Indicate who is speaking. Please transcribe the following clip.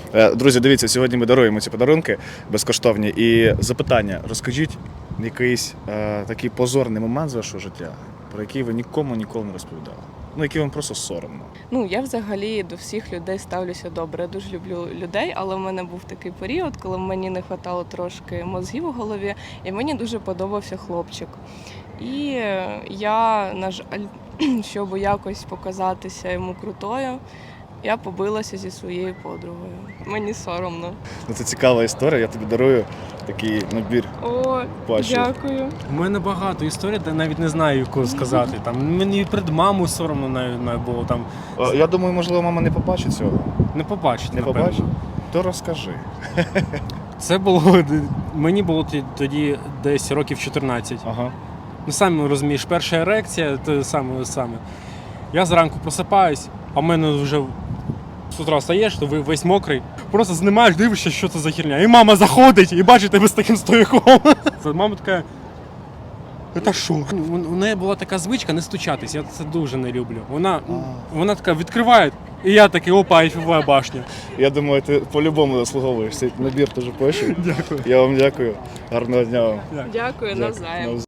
Speaker 1: Друзі, дивіться, сьогодні ми даруємо ці подарунки безкоштовні. І запитання, розкажіть якийсь такий позорний момент з вашого життя, про який ви нікому ніколи не розповідали. Ну, який вам просто соромно.
Speaker 2: Ну, я взагалі до всіх людей ставлюся добре. Я дуже люблю людей, але в мене був такий період, коли мені не вистачало трошки мозгів у голові, і мені дуже подобався хлопчик. І я, на жаль, щоб якось показатися йому крутою, я побилася зі своєю подругою. Мені соромно.
Speaker 1: Ну, це цікава історія, я тобі дарую такий набір.
Speaker 2: О,
Speaker 1: Пащу.
Speaker 2: дякую.
Speaker 3: У мене багато історій, де навіть не знаю, яку сказати. Там мені перед мамою соромно навіть було там.
Speaker 1: Я думаю, можливо, мама не побачить цього.
Speaker 3: Не побачить,
Speaker 1: Не
Speaker 3: напевно.
Speaker 1: побачить? То розкажи.
Speaker 3: Це було мені було тоді десь років 14.
Speaker 1: Ага.
Speaker 3: Ну сам розумієш, перша ерекція, те саме. Я зранку просипаюсь, а в мене вже з утра стаєш, то весь мокрий. Просто знімаєш, дивишся, що це за херня. І мама заходить і бачить тебе з таким стояком. Мама така. Це що? У неї була така звичка не стучатись, я це дуже не люблю. Вона така відкриває, і я такий, опа, айфова башня.
Speaker 1: Я думаю, ти по-любому заслуговуєш. Цей набір теж пишу.
Speaker 3: Дякую.
Speaker 1: Я вам дякую. Гарного дня вам.
Speaker 2: Дякую, навзаєм.